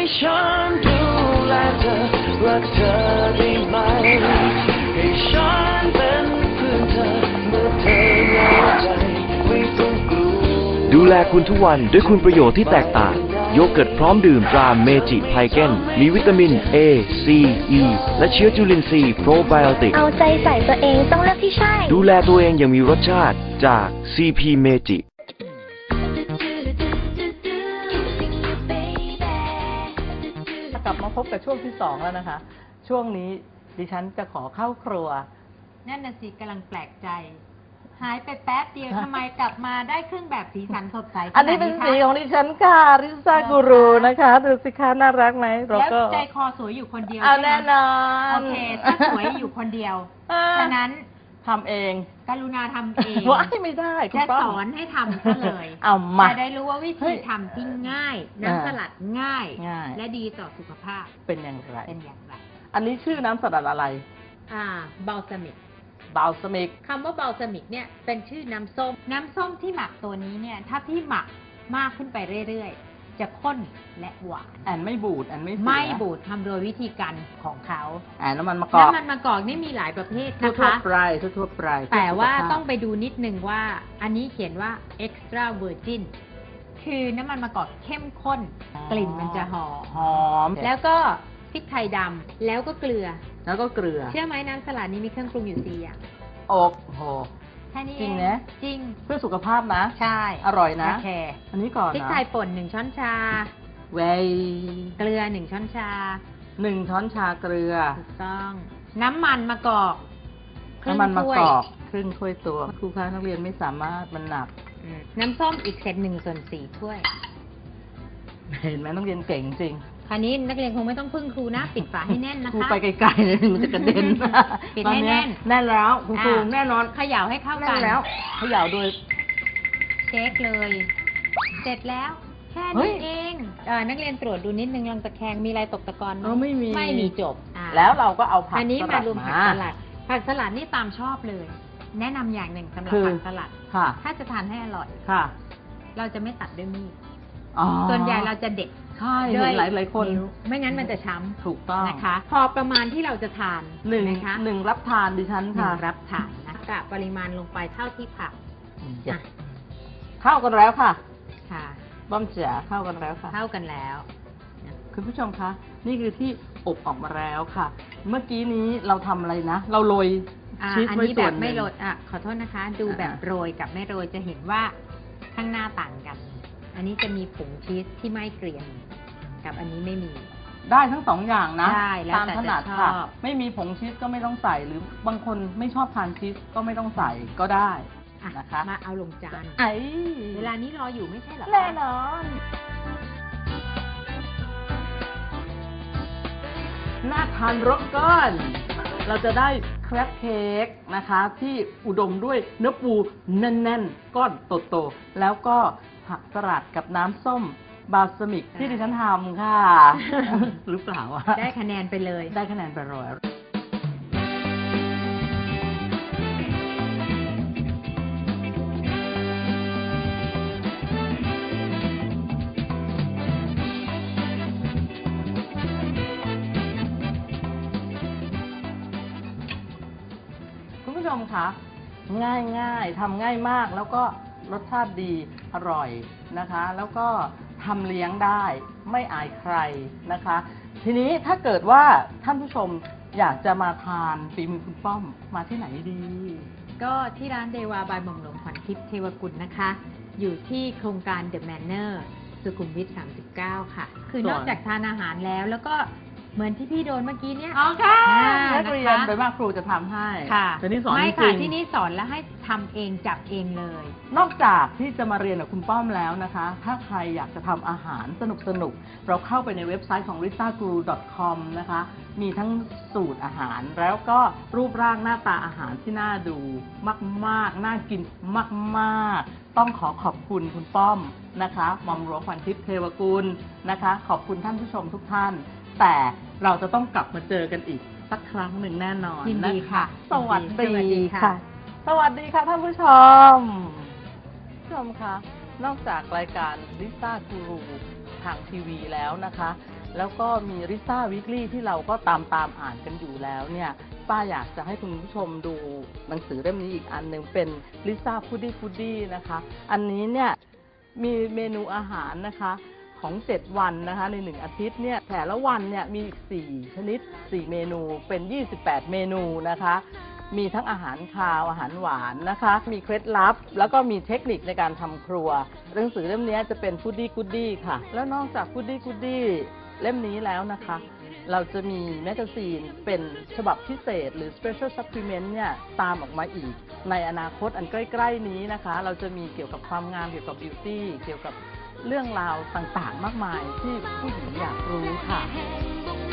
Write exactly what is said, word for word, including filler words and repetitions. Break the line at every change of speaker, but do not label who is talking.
ฉันดูแลเธอรักเธอได้ไหมให้ฉันเป็นเพื่อนเธอเมื่อเธอเหงาใจไม่ต้องกลัวดูแลคุณทุกวันด้วยคุณประโยชน์ที่แตกต่างโยเกิร์ตพร้อมดื่มตราเมจิไพเกนมีวิตามิน A C E และเชื้อจุลินทรีย์โปรไบโอติก
เอาใจใส่ตัวเองต้องเลือกที่ใช่
ดูแลตัวเองอย่างมีรสชาติจาก ซี พี เมจิ
กลับมาพบกับช่วงที่สองแล้วนะคะช่วงนี้ดิฉันจะขอเข้าครัว
นั่นน่ะสิกำลังแปลกใจหายไปแป๊บเดียวทำไมกลับมาได้เครื่องแบบสีสันสดใส
อันนี้เป็นสีของดิฉันค่ะริซ่ากูรูนะคะดูสิคะน่ารักไหม
แล้วใจคอสวยอยู่คนเดียว
เอาแน่นอน
โอเคถ้าสวยอยู่คนเดียวฉะนั้น
ทำเอง
กรุณาทำเอง
ว่าไม่ได้
จะสอนให้ทำซะเลย
เอามา
จะได้รู้ว่าวิธีทำที่ง่ายน้ำสลัดง่ายและดีต่อสุขภาพ
เป็นอย่างไร
เป็นอย่างไร
อันนี้ชื่อน้ำสลัดอะไร
อ่าบาลซามิก
บาลซามิก
คำว่าบาลซามิกเนี่ยเป็นชื่อน้ำส้มน้ำส้มที่หมักตัวนี้เนี่ยถ้าพี่หมักมากขึ้นไปเรื่อยๆจะข้นและหวาน
แอนไม่บูดแอนไม่
ไม่บูดทำโดยวิธีการของเขา
แอนน้ำมันมะกอก
น้ำมันมะกอกนี่มีหลายประเภทนะคะ
ทั่วไปทั่วไป
แต่ว่าต้องไปดูนิดนึงว่าอันนี้เขียนว่า extra virgin คือน้ำมันมะกอกเข้มข้นกลิ่นมันจะหอม
หอม
แล้วก็พริกไทยดำแล้วก็เกลือ
แล้วก็เกลือ
เชื่อไหมน้ำสลัดนี้มีเครื่องปรุงอยู่สี่อย่าง
โอ้โห
แค่นี้
จริงนะ
จริง
เพื่อสุขภาพนะ
ใช่
อร่อยนะ
โอเค
อันนี้ก่อนนะ
พริกไทยป่นหนึ่งช้อนชา
เว
เกลือหนึ่งช้อนชา
หนึ่งช้อนชาเกลือ
ถูกต้องน้ำมันมะกอก
น้ำมันมะกอกครึ่งถ้วยตัวครูคะนักเรียนไม่สามารถมันหนัก
น้ำส้มอีกเศษหนึ่งส่วนสี่ถ้วย
เห็นไหมนักเรียนเก่งจริง
คราวนี้นักเรียนคงไม่ต้องพึ่งครูนะปิดฝาให้แน่นนะคะครู
ไปไกลๆเลยมันจะกระเด็น
ปิดให้แน่น
แน่นแล้วคุณครูแน่นอน
เขย่าให้เข้ากัน
แล้วเขย่าโดย
เช็คเลยเสร็จแล้วแค่นี้เองเออนักเรียนตรวจดูนิดนึงลองตะแคงมีอะไรตกตะกอนไหม
ไม่มี
ไม่มีจบ
แล้วเราก็เอาผัก
อันนี้มารวมผักสลัดผักสลัดนี่ตามชอบเลย แนะนำอย่างหนึ่งสำหรับผักสลัดถ้าจะทานให้อร่อยเราจะไม่ตัดด้วยมีดส่วนใหญ่เราจะเด็ด
ใช่เห็นหลายหลายคน
ไม่งั้นมันจะช้ำ
ถูกต้อง
นะคะพอประมาณที่เราจะทาน
หนึ่งนะคะหนึ่งรับทานดิฉันค่ะ
รับทานนะกะปริมาณลงไปเท่าที่ผัก
เข้ากันแล้วค่ะ
ค่ะ
บ้อมเจ๋อเข้ากันแล้วค่ะ
เข้ากันแล้ว
คุณผู้ชมคะนี่คือที่อบออกมาแล้วค่ะ เมื่อกี้นี้เราทำอะไรนะเราโรยชีสไว้ส่วนหนึ่งอันนี้แบบ
ไม่โรยอ่ะขอโทษนะคะดูแบบโรยกับไม่โรยจะเห็นว่าข้างหน้าต่างกันอันนี้จะมีผงชีสที่ไม่เกรียมกับอันนี้ไม่มี
ได้ทั้งสองอย่างนะ
ตาม
ถนัดค่ะไม่มีผงชีสก็ไม่ต้องใส่หรือบางคนไม่ชอบทานชีสก็ไม่ต้องใส่ก็ได้นะคะ
มาเอาลงจาน
ไอ้
เวลานี้รออยู่ไม่ใช่หรอ
แน่นอนน่าทานรสก้อนเราจะได้แครปเค้กนะคะที่อุดมด้วยเนื้อปูแน่นๆก้อนโตๆแล้วก็ผักสลัดกับน้ำส้มบาลซามิกที่ดิฉันทำค่ะหรือเปล่าวะ
ได้คะแนนไปเลย
ได้คะแนนไปร้อยคุณผู้ชมคะง่ายง่ายทำง่ายมากแล้วก็รสชาติดีอร่อยนะคะแล้วก็ทำเลี้ยงได้ไม่อายใครนะคะทีนี้ถ้าเกิดว่าท่านผู้ชมอยากจะมาทานฝีมือคุณป้อมมาที่ไหนดี
ก็ที่ร้านเดวาบายหม่อมหลวงขวัญทิพย์เทวกุลนะคะอยู่ที่โครงการ The Manor สุขุมวิทสามสิบเก้าค่ะคือนอกจากทานอาหารแล้วแล้วก็เหมือนที่พี่โดนเมื่อกี้เนี่ย
อ๋อค่ะนักเรียนโดยมากครูจะทำให้
ค่ะ
แต่นี่สอน
ไม่ค่ะที่นี่สอนแล้วให้ทำเองจับเองเลย
นอกจากที่จะมาเรียนกับคุณป้อมแล้วนะคะถ้าใครอยากจะทำอาหารสนุกสนุกเราเข้าไปในเว็บไซต์ของ ริต้ากูรู ดอท คอม นะคะมีทั้งสูตรอาหารแล้วก็รูปร่างหน้าตาอาหารที่น่าดูมากๆน่ากินมากๆต้องขอขอบคุณคุณป้อมนะคะหม่อมหลวงขวัญทิพย์เทวกุลนะคะขอบคุณท่านผู้ชมทุกท่านแต่เราจะต้องกลับมาเจอกันอีกสักครั้งหนึ่งแน่นอน
ยินดีค่ะ
สวัสดีค่ะสวัสดีค่ะท่านผู้ชมผู้ชมคะนอกจากรายการริต้ากูรูทางทีวีแล้วนะคะแล้วก็มีริซ่าวีคลี่ที่เราก็ตามตามอ่านกันอยู่แล้วเนี่ยป้าอยากจะให้คุณผู้ชมดูหนังสือเล่มนี้อีกอันหนึ่งเป็นลิซ่าฟูดดี้ฟูดดี้นะคะอันนี้เนี่ยมีเมนูอาหารนะคะของเจ็ดวันนะคะในหนึ่งอาทิตย์เนี่ยแต่ละวันเนี่ยมีสี่ชนิดสี่เมนูเป็นยี่สิบแปดเมนูนะคะมีทั้งอาหารคาวอาหารหวานนะคะมีเคล็ดลับแล้วก็มีเทคนิคในการทำครัวหนังสือเล่มนี้จะเป็นฟูดดี้กูดดี้ค่ะแล้วนอกจากฟูดดี้กูดดี้เล่มนี้แล้วนะคะเราจะมีแมกกาซีนเป็นฉบับพิเศษหรือ Special Supplement เนี่ยตามออกมาอีกในอนาคตอันใกล้ๆนี้นะคะเราจะมีเกี่ยวกับความงามเกี่ยวกับบิวตี้เกี่ยวกับเรื่องราวต่างๆมากมายที่ผู้หญิงอยากรู้ค่ะ